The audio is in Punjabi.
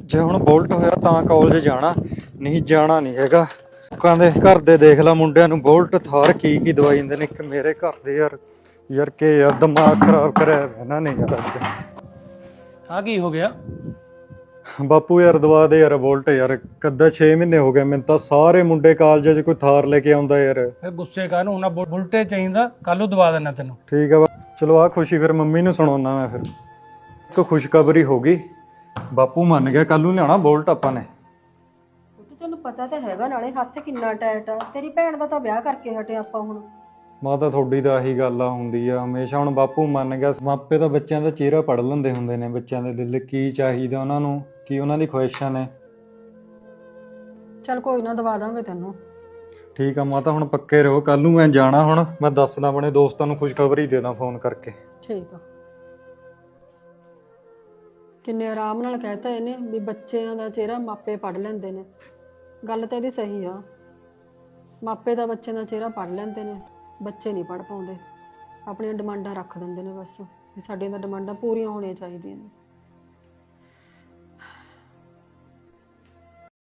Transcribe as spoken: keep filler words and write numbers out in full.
ਜੇ ਹੁਣ ਬੁਲਟ ਹੋਇਆ ਤਾਂ ਕਾਲਜ ਜਾਣਾ, ਨਹੀਂ ਜਾਣਾ ਨਹੀਂ ਹੈਗਾ। ਲੋਕਾਂ ਦੇ ਘਰ ਦੇ ਦੇਖ ਲਾ ਮੁੰਡਿਆਂ ਨੂੰ ਬੁਲਟ ਥਾਰ ਕੀ ਕੀ ਦਵਾਈ ਦਿੰਦੇ ਨੇ। ਇੱਕ ਮੇਰੇ ਘਰ ਦੇ ਯਾਰ ਯਾਰ ਕਿ ਯਾਰ ਦਿਮਾਗ ਖਰਾਬ ਕਰਿਆ ਇਹਨਾਂ ਨੇ ਯਾਰ। ਅੱਜ ਆ ਕੀ ਹੋ ਗਿਆ ਬਾਪੂ ਯਾਰ ਦਵਾ ਦੇ ਯਾਰ ਬੁਲਟ ਯਾਰ। ਕੱਦਾ ਛੇ ਮਹੀਨੇ ਹੋ ਗਏ ਮੈਨੂੰ ਤਾਂ ਸਾਰੇ ਮੁੰਡੇ ਕਾਲਜ 'ਚ ਕੋਈ ਥਾਰ ਲੈ ਕੇ ਆਉਂਦਾ ਯਾਰ। ਫਿਰ ਗੁੱਸੇ ਕਾਹਨੂੰ ਹੁਣ ਬੁਲਟੇ ਚਾਹੀਦਾ, ਕੱਲ ਨੂੰ ਦਵਾ ਦੇਣਾ ਤੈਨੂੰ। ਠੀਕ ਆ ਚਲੋ ਆ ਖੁਸ਼ੀ ਫਿਰ ਮੰਮੀ ਨੂੰ ਸੁਣਾਉਣਾ ਮੈਂ। ਫਿਰ ਇੱਕ ਖੁਸ਼ਖਬਰੀ ਹੋ ਗਈ, ਬਾਪੂ ਮੰਨ ਗਿਆ, ਕੱਲ ਨੂੰ ਲਿਆਉਣਾ ਬੁਲਟ ਆਪਾਂ ਨੇ। ਤੈਨੂੰ ਪਤਾ ਤਾਂ ਹੈਗਾ, ਨਾਲੇ ਹੱਥ ਕਿੰਨਾ ਟਾਈਟ ਆ। ਤੇਰੀ ਭੈਣ ਦਾ ਤਾਂ ਵਿਆਹ ਕਰਕੇ ਹਟੇ ਆਪਾਂ ਹੁਣ। ਮਾਤਾ ਤੁਹਾਡੀ ਤਾਂ ਆਹੀ ਗੱਲ ਆ ਹੁੰਦੀ ਆ ਹਮੇਸ਼ਾ। ਹੁਣ ਬਾਪੂ ਮੰਨ ਗਿਆ, ਮਾਪੇ ਤਾਂ ਬੱਚਿਆਂ ਦਾ ਚਿਹਰਾ ਪੜ੍ਹ ਲੈਂਦੇ ਹੁੰਦੇ ਨੇ, ਬੱਚਿਆਂ ਦੇ ਦਿਲ ਕੀ ਚਾਹੀਦਾ ਉਹਨਾਂ ਨੂੰ, ਕੀ ਉਹਨਾਂ ਦੀ ਖੁਆਇਸ਼ਾਂ ਨੇ। ਚੱਲ ਕੋਈ ਨਾ, ਦਵਾ ਦਾਂਗੇ ਤੈਨੂੰ। ਠੀਕ ਆ ਮਾਤਾ, ਹੁਣ ਪੱਕੇ ਰਹੋ। ਕੱਲ ਨੂੰ ਮੈਂ ਜਾਣਾ, ਹੁਣ ਮੈਂ ਦੱਸਦਾ ਆਪਣੇ ਦੋਸਤਾਂ ਨੂੰ ਖੁਸ਼ਖਬਰੀ ਦੇ ਦਾਂ ਫੋਨ ਕਰਕੇ। ਠੀਕ ਆ। ਕਿੰਨੇ ਆਰਾਮ ਨਾਲ ਕਹਿਤਾ ਇਹਨੇ ਵੀ ਬੱਚਿਆਂ ਦਾ ਚਿਹਰਾ ਮਾਪੇ ਪੜ੍ਹ ਲੈਂਦੇ ਨੇ। ਗੱਲ ਤਾਂ ਇਹਦੀ ਸਹੀ ਆ, ਮਾਪੇ ਤਾਂ ਬੱਚਿਆਂ ਦਾ ਚਿਹਰਾ ਪੜ੍ਹ ਲੈਂਦੇ ਨੇ, ਬੱਚੇ ਨਹੀਂ ਪੜ੍ਹ ਪਾਉਂਦੇ। ਆਪਣੀਆਂ ਡਿਮਾਂਡਾਂ ਰੱਖ ਦਿੰਦੇ ਨੇ ਬਸ, ਵੀ ਸਾਡੀਆਂ ਤਾਂ ਡਿਮਾਂਡਾਂ ਪੂਰੀਆਂ ਹੋਣੀਆਂ ਚਾਹੀਦੀਆਂ ਨੇ।